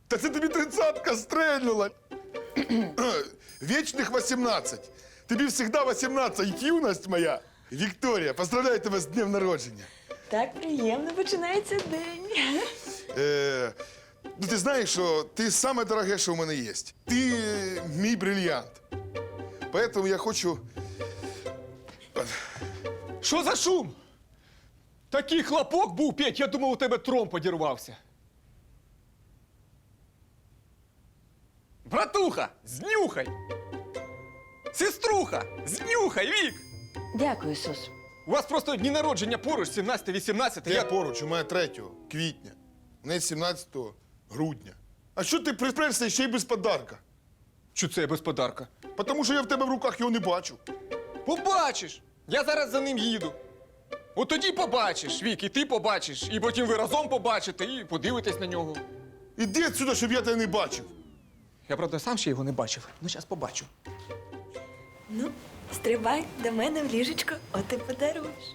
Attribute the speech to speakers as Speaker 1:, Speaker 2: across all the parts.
Speaker 1: Та це тобі 30-ка стрельнула. Вічних 18. Тобі завжди 18, юність моя. Вікторія, поздравляю тебе з днем народження.
Speaker 2: Так приємно починається день.
Speaker 1: Ну, ти знаєш, що ти саме дороге, що в мене є. Ти мій брильянт. Поэтому я хочу...
Speaker 3: Що за шум? Такий хлопок був, Петь, я думав, у тебе тромб подірвався. Братуха, знюхай! Сеструха, знюхай, Вік!
Speaker 2: Дякую, Сус.
Speaker 3: У вас просто дні народження поруч, 17-18.
Speaker 1: Я поруч, у мене 3 квітня. У неї 17 грудня. А що ти припрився ще й без подарка?
Speaker 3: Що це я без подарка?
Speaker 1: Тому що я в тебе в руках його не бачу.
Speaker 3: Побачиш! Я зараз за ним їду. От тоді побачиш, Вік, і ти побачиш, і потім ви разом побачите, і подивитесь на нього.
Speaker 1: Іди відсюди, щоб я тебе не бачив.
Speaker 3: Я, правда, сам ще його не бачив, ну зараз побачу.
Speaker 2: Ну, стрибай до мене в ліжечко, от і подаруєш.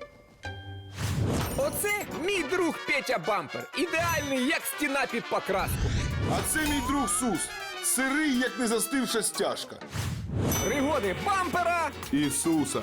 Speaker 4: Оце мій друг Петя Бампер. Ідеальний, як стіна під покраску.
Speaker 1: А це мій друг Сус. Сирий, як не застивша стяжка.
Speaker 4: Пригоди бампера.
Speaker 1: Ісуса.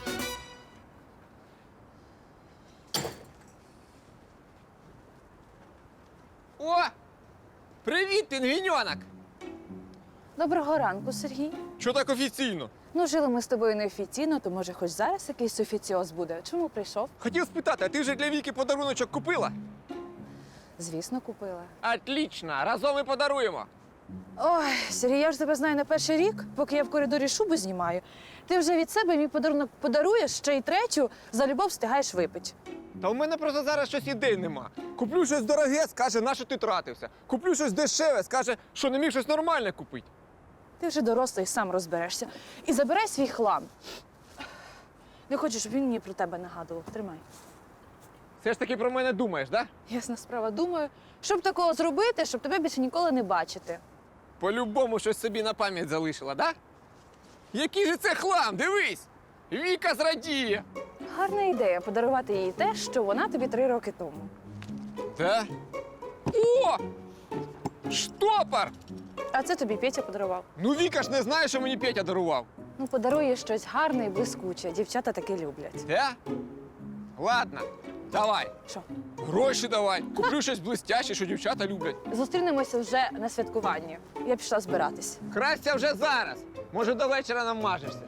Speaker 4: О! Привіт, пінгвіньонок!
Speaker 5: Доброго ранку, Сергій.
Speaker 3: Що так офіційно?
Speaker 5: Ну, жили ми з тобою неофіційно, то може хоч зараз якийсь офіціоз буде. Чому прийшов?
Speaker 3: Хотів спитати, а ти вже для Віки подаруночок купила?
Speaker 5: Звісно, купила.
Speaker 4: Отлично, разом і подаруємо.
Speaker 5: Ой, Сергій, я ж тебе знаю на перший рік, поки я в коридорі шубу знімаю. Ти вже від себе мій подарунок подаруєш, ще й третю за любов встигаєш випити.
Speaker 3: Та у мене просто зараз щось ідей нема. Куплю щось дороге, скаже, на що ти тратився. Куплю щось дешеве, скаже, що не міг щось нормальне купити.
Speaker 5: Ти вже дорослий, сам розберешся. І забирай свій хлам. Не хочу, щоб він мені про тебе нагадував. Тримай.
Speaker 4: Все ж таки про мене думаєш, да?
Speaker 5: Ясна справа, думаю, щоб такого зробити, щоб тебе більше ніколи не бачити.
Speaker 4: По-любому щось собі на пам'ять залишила, да? Який же це хлам, дивись! Віка зрадіє!
Speaker 5: Гарна ідея подарувати їй те, що вона тобі 3 роки тому.
Speaker 4: Да? О! Штопор!
Speaker 5: А це тобі Петя подарував.
Speaker 3: Ну Віка ж не знає, що мені Петя дарував.
Speaker 5: Ну, подарує щось гарне і блискуче. Дівчата таке люблять.
Speaker 4: Да? Ладно, давай.
Speaker 5: Що?
Speaker 3: Гроші давай. Куплю щось блистяще, що дівчата люблять.
Speaker 5: Зустрінемося вже на святкуванні. Я пішла збиратись.
Speaker 4: Красться вже зараз. Може, до вечора намажешся.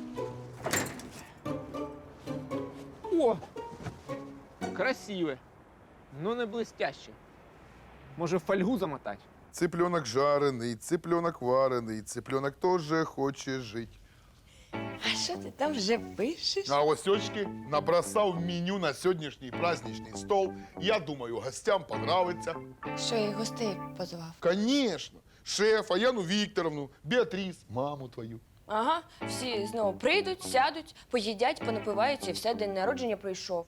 Speaker 4: О! Красиве. Ну не блистяще. Може, в фольгу замотати?
Speaker 1: Цыпленок жарений, цыпленок варений, цыпленок теж хоче жити.
Speaker 2: А що ти там вже пишеш?
Speaker 1: А ось очки набросав меню на сьогоднішній праздничний стол. Я думаю, гостям понравиться.
Speaker 2: Що я гостей позвав?
Speaker 1: Конечно. Шефа, Яну Вікторовну, Біатріс, маму твою.
Speaker 6: Ага, всі знову прийдуть, сядуть, поїдять, понапиваються і все, день народження пройшов.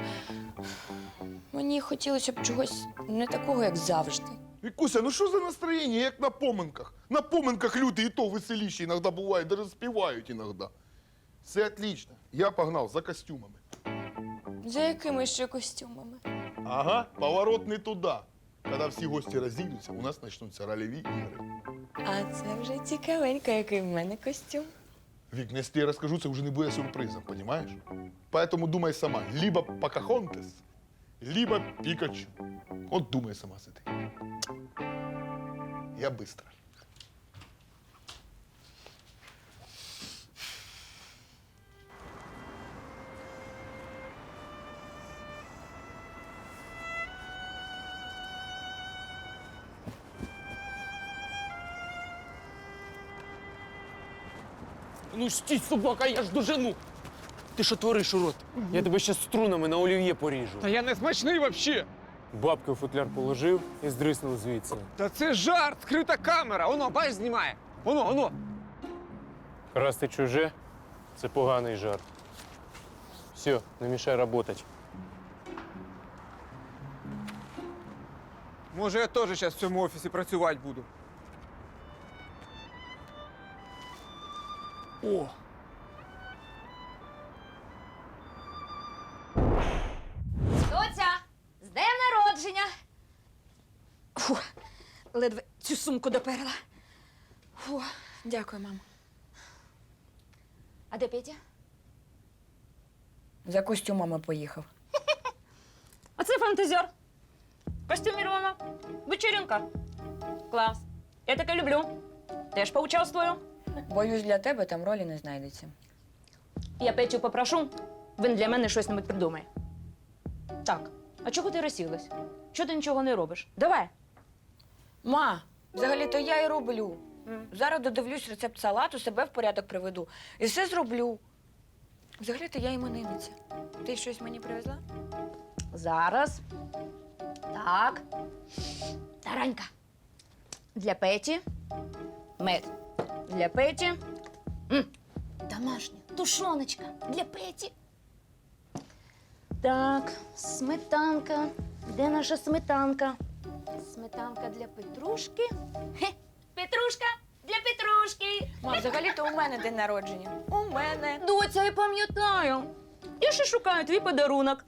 Speaker 6: Мені хотілося б чогось не такого, як завжди.
Speaker 1: Вікуся, ну що за настроєння, як на поминках? На поминках люди і то веселіші іноді бувають, навіть співають іноді. Все отлично. Я погнав за костюмами.
Speaker 6: За якими ще костюмами?
Speaker 1: Ага, поворот не туди. Коли всі гості розійдуться, у нас почнуться рольові ігри.
Speaker 2: А це вже цікавенько, який в мене костюм.
Speaker 1: Вік, ну, якщо я розкажу, це вже не буде сюрпризом, розумієш? Поэтому думай сама, либо Покахонтес, либо Пікачу. От думай сама сиди. Я быстро.
Speaker 7: Ну стій, собака, я ж дожену. Ти що твориш, урод? Я тебе ще струнами на олів'є поріжу.
Speaker 3: Та я не смачний взагалі.
Speaker 7: Бабки в футляр положив і здриснув звідси.
Speaker 3: Та це жарт, скрита камера. Оно, бач, знімає. Оно.
Speaker 7: Красти чуже – це поганий жарт. Все, не мішай працювати.
Speaker 3: Може, я теж зараз в цьому офісі працювати буду. О!
Speaker 8: Доця, з днем народження! Фу,
Speaker 2: ледве цю сумку доперла. Фу, дякую, мамо.
Speaker 6: А де Петя?
Speaker 2: За костюмами поїхав.
Speaker 8: А це фантазер. Костюмірована. Вечеринка. Клас. Я таке люблю. Теж поучаствую.
Speaker 2: Боюсь, для тебе там ролі не знайдеться.
Speaker 8: Я Петю попрошу, він для мене щось небудь придумає. Так, а чого ти розсілась? Чого ти нічого не робиш? Давай.
Speaker 2: Ма, взагалі-то я і роблю. Зараз додивлюсь рецепт салату, себе в порядок приведу. І все зроблю. Взагалі-то я іменинниця. Ти щось мені привезла?
Speaker 8: Зараз. Так. Таранька. Для Петі. Мед. Для Петі. Домашня тушоночка для Петі. Так, сметанка. Де наша сметанка? Сметанка для Петрушки. Хе, Петрушка для Петрушки.
Speaker 2: Ма, взагалі-то у мене день народження. У мене.
Speaker 8: Доця, я пам'ятаю. Я ще шукаю твій подарунок.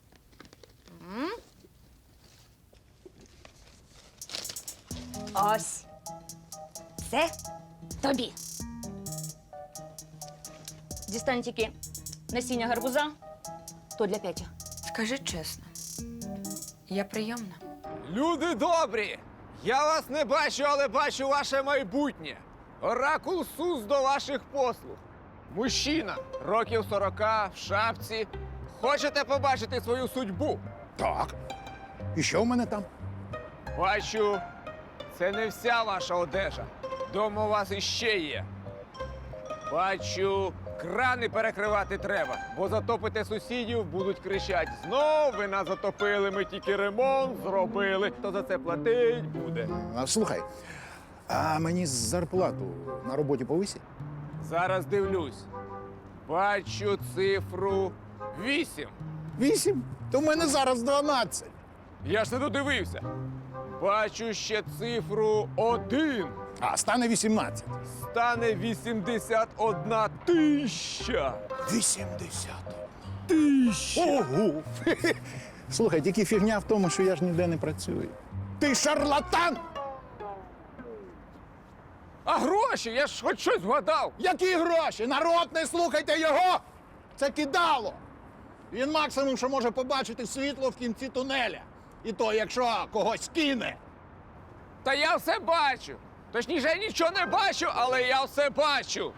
Speaker 8: Ось. Це тобі. Дістань тільки насіння гарбуза, то для Петя.
Speaker 2: Скажи чесно, я прийомна.
Speaker 3: Люди добрі! Я вас не бачу, але бачу ваше майбутнє. Оракул Сус до ваших послуг. Мужчина, років 40, в шапці. Хочете побачити свою судьбу?
Speaker 9: Так. І що в мене там?
Speaker 3: Бачу, це не вся ваша одежа. Дома у вас іще є. Бачу, крани перекривати треба, бо затопите сусідів, будуть кричать: знов ви нас затопили, ми тільки ремонт зробили. Хто за це платить буде?
Speaker 9: Слухай, а мені зарплату на роботі повисять?
Speaker 3: Зараз дивлюсь. Бачу цифру 8.
Speaker 9: 8? То в мене зараз 12.
Speaker 3: Я ж не додивився. Бачу ще цифру 1.
Speaker 9: А стане 18.
Speaker 3: Стане 81 тисяча.
Speaker 9: 80. Ого! Слухай, тільки фігня в тому, що я ж ніде не працюю. Ти шарлатан!
Speaker 3: А гроші? Я ж хоч щось вгадав.
Speaker 9: Які гроші? Народ, не слухайте його! Це кидало! Він максимум, що може побачити світло в кінці тунеля. І то, якщо когось кине.
Speaker 3: Та я все бачу. Точніше, я нічого не бачу, але я все бачу.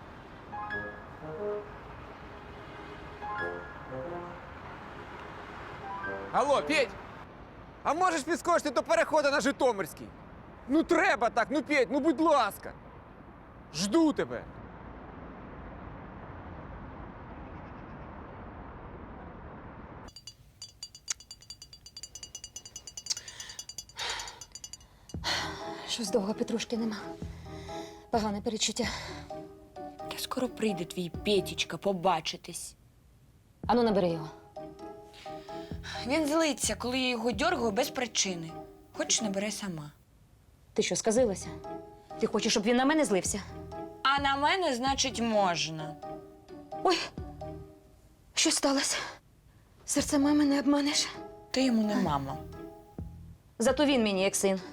Speaker 3: Алло, Петь, а можеш підскочити до переходу на Житомирський? Ну треба так, ну Петь, ну будь ласка. Жду тебе.
Speaker 6: Щось довго Петрушки нема. Погане перечуття.
Speaker 2: Та скоро прийде твій Петічка побачитись.
Speaker 6: Ану, набери його.
Speaker 2: Він злиться, коли я його дьоргаю без причини. Хочеш, набере сама.
Speaker 6: Ти що, сказилася? Ти хочеш, щоб він на мене злився?
Speaker 2: А на мене, значить, можна.
Speaker 6: Ой, що сталося? Серце мами не обманеш.
Speaker 2: Ти йому не мама.
Speaker 6: Зато він мені як син.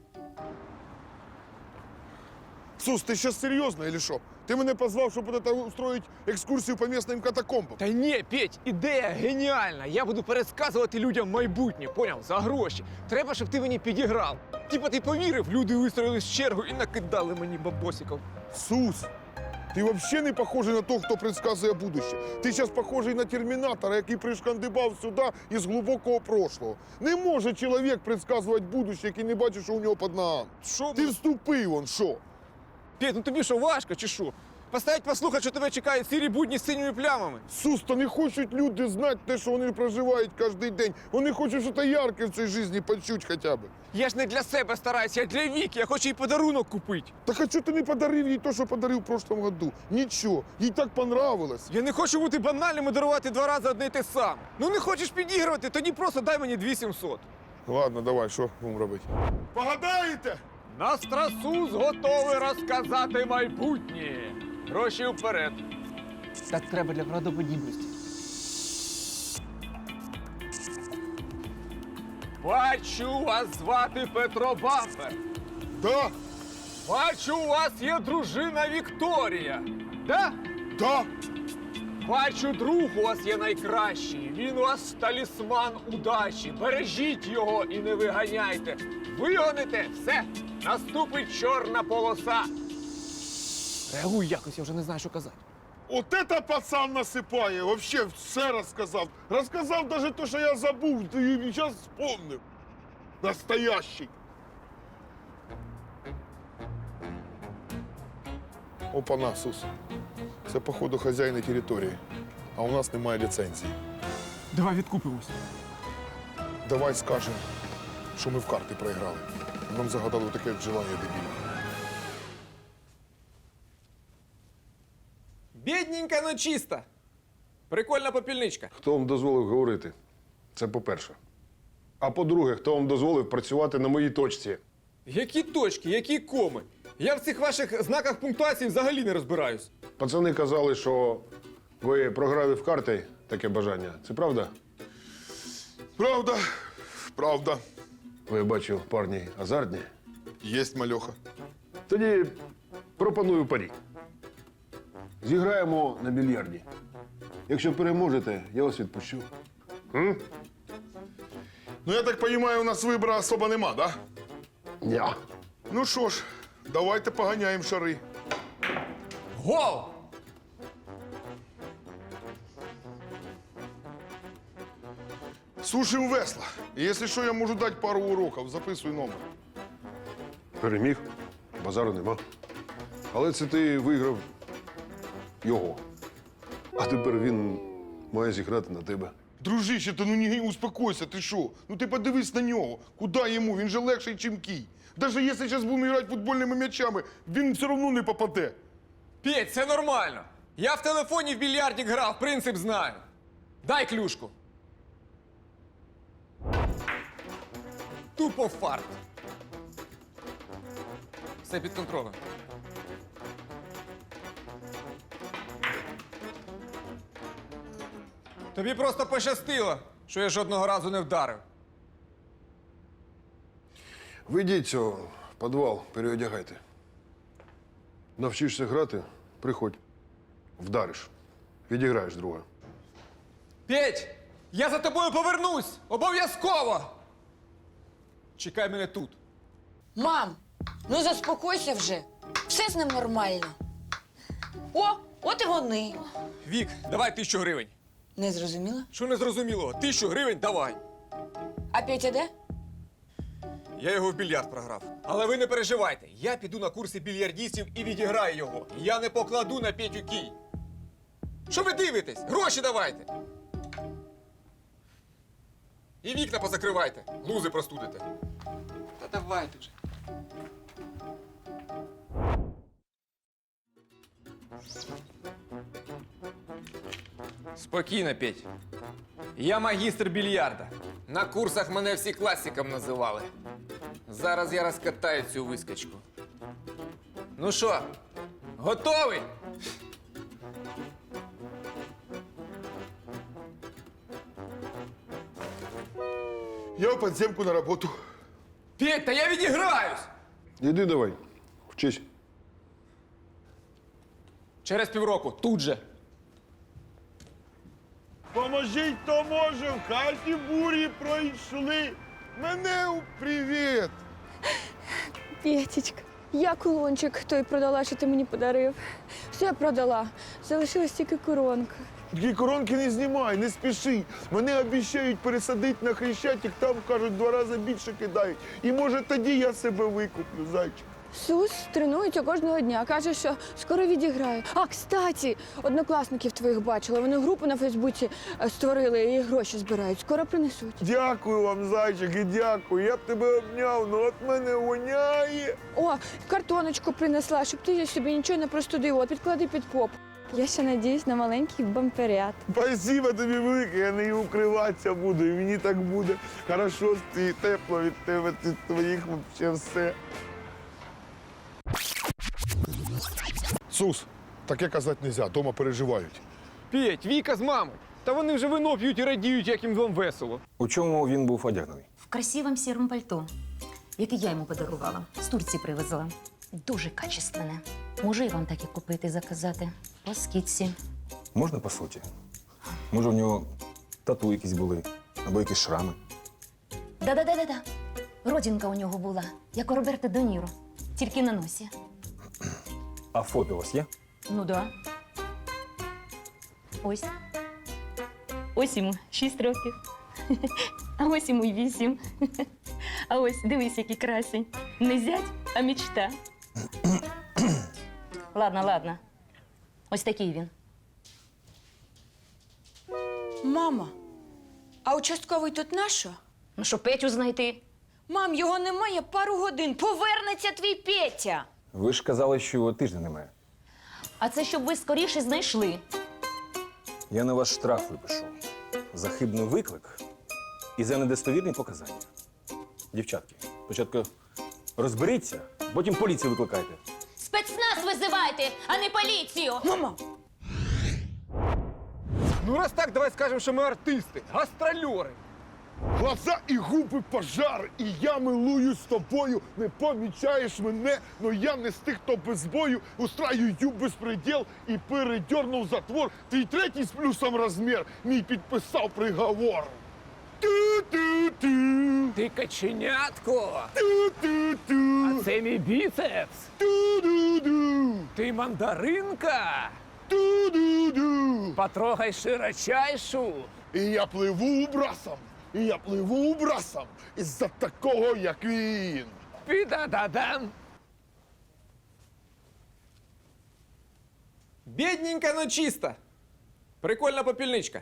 Speaker 1: Сус, ти зараз серйозно, или що? Ти мене позвав, щоб от это устроїть екскурсію по місцевим катакомбам.
Speaker 3: Та ні, Петь, ідея геніальна. Я буду пересказувати людям майбутнє, поняв? За гроші. Треба, щоб ти мені підіграв. Типа ти повірив, люди вистроїлись в чергу і накидали мені бабосиків.
Speaker 1: Сус, ти взагалі не похожий на того, хто предсказує будуще. Ти зараз похожий на термінатора, який пришкандибав сюди із глибокого прошлого. Не може чоловік предсказувати будуще, який не бачить, що у нього під ногами.
Speaker 3: Що?
Speaker 1: Ти вступи, вон, що?
Speaker 3: Петь, ну тобі що, важко чи що? Поставить послухати, що тебе чекають сірі будні з синіми плямами.
Speaker 1: Сус, та не хочуть люди знати те, що вони проживають кожен день. Вони хочуть щось ярке в цій житті почути хоча б.
Speaker 3: Я ж не для себе стараюся, я для Віки, я хочу їй подарунок купити.
Speaker 1: Так а чого ти не подарив їй те, що подарив в прошлом году? Нічого, їй так понравилось.
Speaker 3: Я не хочу бути банальним і дарувати 2 рази одне й те саме. Ну не хочеш підігрувати, тоді просто дай мені 2700.
Speaker 1: Ладно, давай, що будемо робити? Погадаєте?
Speaker 3: Настрасус готовий розказати майбутнє. Гроші вперед. Так треба для правдоподібності. Бачу, вас звати Петро Бампер.
Speaker 1: Да,
Speaker 3: Бачу, у вас є дружина Вікторія. Да?
Speaker 1: да.
Speaker 3: Бачу, друг у вас є найкращий. Він у вас талісман удачі. Бережіть його і не виганяйте. Вигоните, все, наступить чорна полоса.
Speaker 4: Реагуй якось, я вже не знаю, що казати.
Speaker 1: От это пацан насипає, вообще все розказав. Розказав навіть те, що я забув, і зараз вспомнив. Настоящий. Опа-на, Сус. Це, походу, хазяїни території, а у нас немає ліцензії.
Speaker 3: Давай відкупимось.
Speaker 1: Давай скажемо, що ми в карти проіграли. Нам загадали таке желання дебільне.
Speaker 4: Бідненька, но чиста. Прикольна попільничка.
Speaker 10: Хто вам дозволив говорити? Це по-перше. А по-друге, хто вам дозволив працювати на моїй точці?
Speaker 4: Які точки, які коми? Я в цих ваших знаках пунктуації взагалі не розбираюсь.
Speaker 10: Пацани казали, що ви програли в карти таке бажання. Це правда?
Speaker 1: Правда, правда.
Speaker 10: Ви, бачу, парні азартні.
Speaker 1: Єсть мальоха.
Speaker 10: Тоді пропоную парі. Зіграємо на більярді. Якщо переможете, я вас відпущу.
Speaker 1: Ну, я так розумію, у нас вибору особо нема, да?
Speaker 10: Ні.
Speaker 1: Ну що ж, давайте поганяємо шари.
Speaker 4: Гол!
Speaker 1: Сушимо весла. І якщо що, я можу дати пару уроків. Записуй номер.
Speaker 10: Переміг. Базару нема. Але це ти виграв його. А тепер він має зіграти на тебе.
Speaker 1: Дружище, ти ну не успокойся, ти що? Ну ти подивись на нього. Куди йому? Він же легший, чим кій. Даже якщо зараз будемо грати футбольними м'ячами, він все одно не попаде.
Speaker 4: Петь, це нормально. Я в телефоні в більярдік грав, принцип знаю. Дай клюшку. Тупо фарт. Все під контролем. Тобі просто пощастило, що я жодного разу не вдарив.
Speaker 10: Ви йдіть цього в підвал, переодягайте. Навчишся грати, приходь. Вдариш. Відіграєш друга.
Speaker 4: Петь, я за тобою повернусь! Обов'язково! Чекай мене тут.
Speaker 2: Мам, ну заспокойся вже. Все з ним нормально. О, от і вони.
Speaker 4: Вік, давай 1000 гривень.
Speaker 2: Не зрозуміла?
Speaker 4: Що не зрозуміло? 1000 гривень давай.
Speaker 2: А Петя де?
Speaker 4: Я його в більярд програв. Але ви не переживайте. Я піду на курси більярдістів і відіграю його. Я не покладу на Петю кій. Що ви дивитесь? Гроші давайте. І вікна позакривайте. Лузи простудите. Та давайте вже. Спокійно, Петь. Я магістр більярда. На курсах мене всі класиком називали. Зараз я розкатаю цю вискочку. Ну що, готовий?
Speaker 1: Я в підземку на роботу.
Speaker 4: Петь, та я відіграюсь!
Speaker 10: Іди давай, вчись.
Speaker 4: Через півроку, тут же.
Speaker 1: Поможіть, хто може, в хаті бурі пройшли. Мене привіт!
Speaker 6: Петечка, я кулончик той продала, що ти мені подарив. Все продала. Залишилась тільки коронка.
Speaker 1: Такі коронки не знімай, не спіши. Мене обіцяють пересадити на Хрещатик, там, кажуть, 2 рази більше кидають. І може тоді я себе викуплю, зайчик.
Speaker 6: Сус тренується кожного дня. Каже, що скоро відіграє. А, кстати, однокласників твоїх бачила. Вони групу на Фейсбуці створили і гроші збирають. Скоро принесуть.
Speaker 1: Дякую вам, зайчик, і дякую. Я б тебе обняв, ну от мене воняє.
Speaker 6: О, картоночку принесла, щоб ти собі нічого не простудив. От підклади під поп. Я ще надіюсь на маленький бамперят.
Speaker 1: Спасибо тобі велике, я нею укриватися буду, і мені так буде хорошо, і тепло від тебе, від твоїх вообще все. Сус, таке казати не можна, дома переживають.
Speaker 3: Петь, Віка з мамою. Та вони вже вино п'ють і радіють, як їм вдома весело.
Speaker 11: У чому він був одягнений?
Speaker 8: В красивом сером пальто. яке я йому подарувала. З Турції привезла. Дуже качественне. Можу і вам таке купити, заказати. По скидці.
Speaker 11: Можна по суті? Може, в нього тату якісь були або якісь шрами.
Speaker 8: Да-да-да-да-да. Родинка у нього була, як у Роберта Де Ніро. Тільки на носі.
Speaker 11: А фото у вас є?
Speaker 8: Ну да. Ось. Ось йому 6 років. А ось йому й 8. А ось дивись, який красень. Не зять, а мечта. Ладно, ладно. Ось такий він.
Speaker 2: Мама, а участковий тут нащо?
Speaker 8: Ну що, Петю знайти?
Speaker 2: Мам, його немає пару годин. Повернеться твій Петя.
Speaker 11: Ви ж казали, що тижня немає.
Speaker 8: А це щоб ви скоріше знайшли.
Speaker 11: Я на вас штраф випишу. За хибний виклик і за недостовірні показання. Дівчатки, спочатку розберіться, потім поліцію викликайте.
Speaker 8: Спецназ визивайте, а не поліцію!
Speaker 2: Мама,
Speaker 3: Ну, раз так, давай скажемо, що ми артисти, гастрольори.
Speaker 1: Глаза і губи пожар, і я милуюсь з тобою. Не помічаєш мене, но я не з тих, хто без бою устраюю безпреділ і передернув затвор. Твій третій з плюсом розмір, мій підписав приговор. Ту-ту-ту,
Speaker 3: Ти каченятко,
Speaker 1: ту-ту-ту,
Speaker 3: а це мій біцепс.
Speaker 1: ту-ду-ду,
Speaker 3: Ти мандаринка,
Speaker 1: ту-ду-ду.
Speaker 3: потрогай широчайшу.
Speaker 1: І я пливу брасом, і я пливу брасом із-за такого, як він.
Speaker 3: Піда-да-дан.
Speaker 4: Бідненька, но чиста. Прикольна попільничка.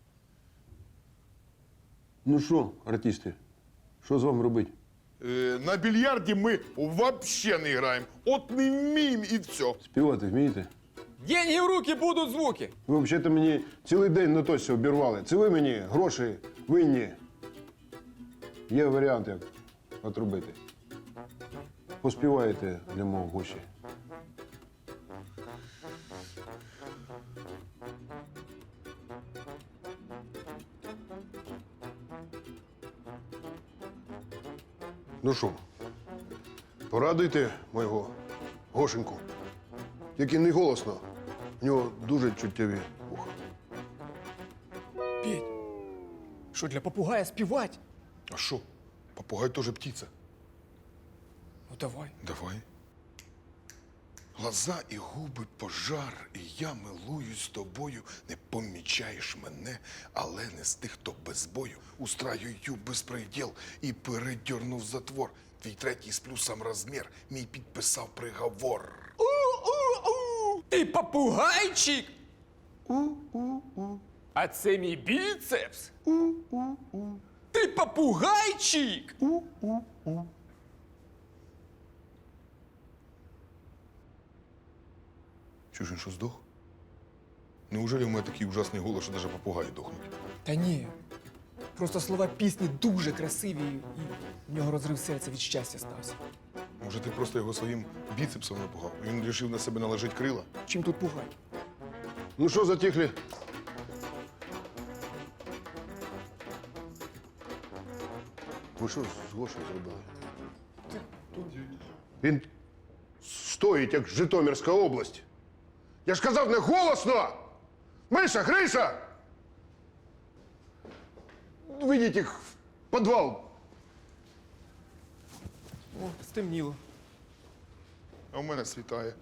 Speaker 10: Ну що, артисти, що з вами робити?
Speaker 1: На більярді ми вообще не граємо. От не вміємо і все.
Speaker 10: Співати вмієте?
Speaker 4: Деньги в руки будуть звуки.
Speaker 10: Ви взагалі мені цілий день на тосі обірвали. Це ви мені гроші винні. Є варіант, як отрубити. Поспіваєте для мого гостя. Ну що, порадуйте моєго Гошеньку. Тільки не голосно. У нього дуже чуттєві вуха.
Speaker 3: Петь, що для попугая співати?
Speaker 1: А що? Попугай теж птиця.
Speaker 3: Ну давай.
Speaker 1: Давай. Глаза і губи пожар, і я милуюсь з тобою. Не помічаєш мене, але не з тих, хто без бою. Устраюю безпреділ і передернув затвор. Твій третій з плюсом розмір, мій підписав приговор.
Speaker 4: Ти попугайчик. А це мій біцепс. Ти попугайчик.
Speaker 1: Чуєш, він що, здох? Неужели в мене такий ужасний голос, що навіть попугаї дохнуть?
Speaker 3: Та ні. Просто слова пісні дуже красиві, і в нього розрив серця від щастя стався.
Speaker 1: Може, ти просто його своїм біцепсом напугав? Він вирішив на себе наложити крила?
Speaker 3: Чим тут пугай?
Speaker 10: Ну що, затихли? Ви що з Гошею зробили? Він стоїть, як Житомирська область. Я ж казав, не голосно! Миша, Гриша! Ведіть їх в підвал.
Speaker 3: О, стемніло.
Speaker 1: А в мене світає.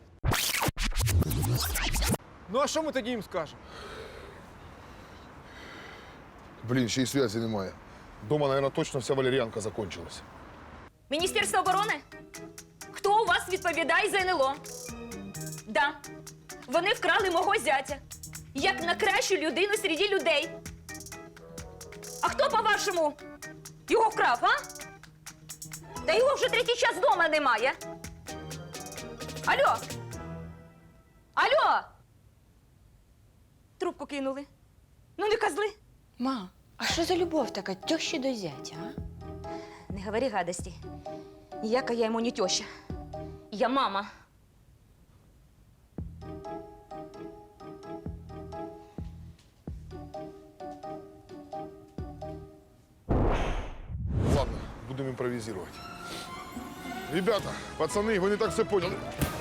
Speaker 3: Ну а що ми тоді їм скажемо?
Speaker 1: Блін, ще й зв'язі немає. Дома, мабуть, точно вся валеріанка закончилась.
Speaker 8: Міністерство оборони? Хто у вас відповідає за НЛО? Да. Вони вкрали мого зятя. Як на кращу людину серед людей. А хто, по-вашому, його вкрав, а? Та його вже третій час вдома немає. Алло? Алло? Трубку кинули. Ну, не козли.
Speaker 2: ма, а що за любов така тьощі до зятя, а?
Speaker 8: Не говори гадості. Ніяка я йому не тьоща. Я мама.
Speaker 1: Ладно, будемо імпровізувати. Ребята, пацани, ви не так все поняли.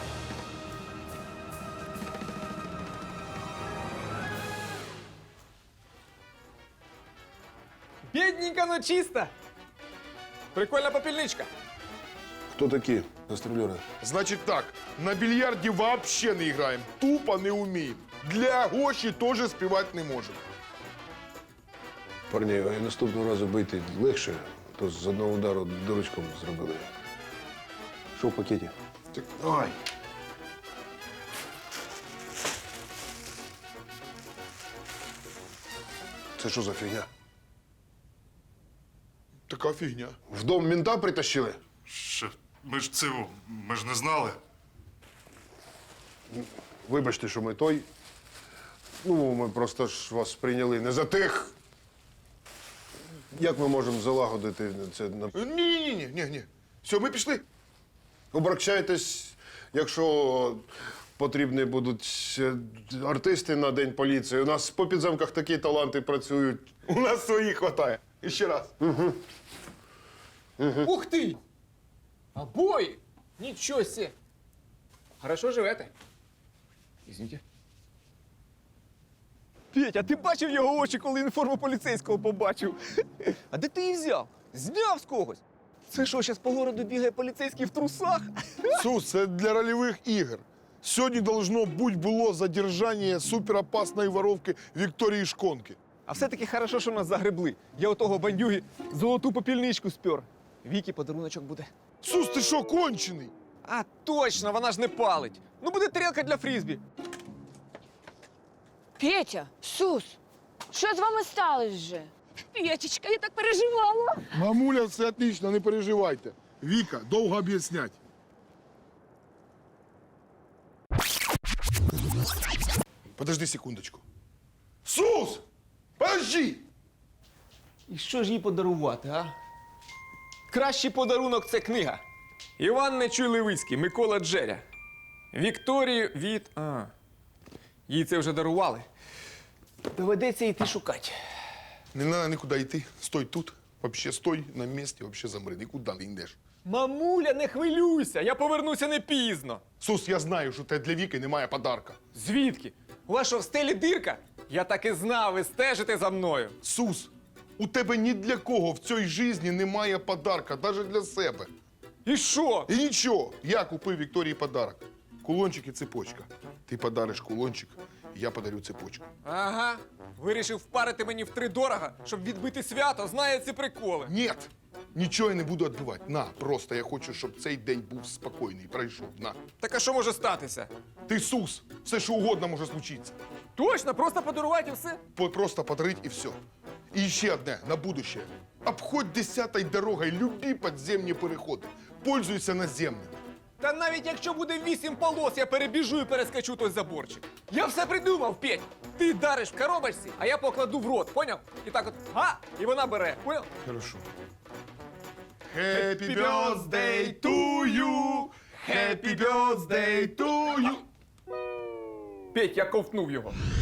Speaker 3: Бідненька, но чиста. Прикольна попільничка.
Speaker 10: Хто такі гастролери?
Speaker 1: Значить так, на більярді вообще не граємо, тупо не вміємо. Для Гоші теж співати не можемо.
Speaker 10: Парні, а наступного разу бити легше, то з одного удару дурочком зробили. Що в пакеті?
Speaker 1: Так, ай.
Speaker 10: Це що за фігня?
Speaker 1: Така фігня.
Speaker 10: В дом мента притащили?
Speaker 12: Ми ж не знали.
Speaker 10: Вибачте, що ми той. Ну, ми просто ж вас прийняли не за тих. Як ми можемо залагодити це?
Speaker 1: Ні. Все, ми пішли.
Speaker 10: Обращайтесь, якщо потрібні будуть артисти на День поліції. У нас по підземках такі таланти працюють.
Speaker 1: У нас своїх хватає. І ще раз.
Speaker 3: Ух ти! Обої! Нічого себе! Хорошо живете. Извините. Петя, ти бачив його очі, коли він форму поліцейського побачив? А де ти її взяв? Зняв з когось? Це що, зараз по городу бігає поліцейський в трусах?
Speaker 1: Сус, це для рольових ігор. Сьогодні должно було задержання суперопасної воровки Вікторії Шконки.
Speaker 3: А все-таки хорошо, що нас загребли. Я у того бандюги золоту попільничку спер. Вікі подаруночок буде.
Speaker 1: Сус, ти що, кончений?
Speaker 3: А, точно, вона ж не палить. Ну, буде тарілка для фрізбі.
Speaker 2: Петя, Сус, що з вами сталося вже?
Speaker 6: Петечка, я так переживала.
Speaker 1: Мамуля, все отлично, не переживайте. Віка, довго об'яснять. Подожди секундочку. Сус! Подожди!
Speaker 3: І що ж їй подарувати, а? Кращий подарунок це книга. Іван Нечуй Левицький, Микола Джеря. Вікторію від. Їй це вже дарували. Доведеться йти шукати.
Speaker 1: Не треба нікуди йти. Стой тут. Вообще стой на місці, вообще замри. Нікуди не йдеш.
Speaker 3: Мамуля, не хвилюйся, я повернуся не пізно.
Speaker 1: Сус, я знаю, що тебе для Віки немає подарка.
Speaker 3: Звідки? У вас що, в стелі дирка? Я так і знав, ви стежите за мною.
Speaker 1: Сус, у тебе ні для кого в цій житті немає подарка, навіть для себе.
Speaker 3: І що?
Speaker 1: І нічого, я купив Вікторії подарок. Кулончик і цепочка. Ти подариш кулончик, я подарю цепочку.
Speaker 3: Ага. Вирішив впарити мені втридорога, щоб відбити свято, знає ці приколи.
Speaker 1: Ні, нічого я не буду відбивати. На, просто я хочу, щоб цей день був спокійний, пройшов. На.
Speaker 3: Так а що може статися?
Speaker 1: Ти Сус, все що угодно може случитися.
Speaker 3: Точно, просто подарувати і все.
Speaker 1: Просто подарить і все. І ще одне, на будущее. Обходь 10-й дорогою любі підземні переходи. Пользуйся наземним.
Speaker 3: Та навіть якщо буде 8 полос, я перебіжу і перескочу той заборчик. Я все придумав, Петь. Ти дариш в коробочці, а я покладу в рот, поняв? І так от, і вона бере, поняв?
Speaker 1: Хорошо.
Speaker 3: Happy birthday to you! Happy birthday to you! Петь, я ковтнув його.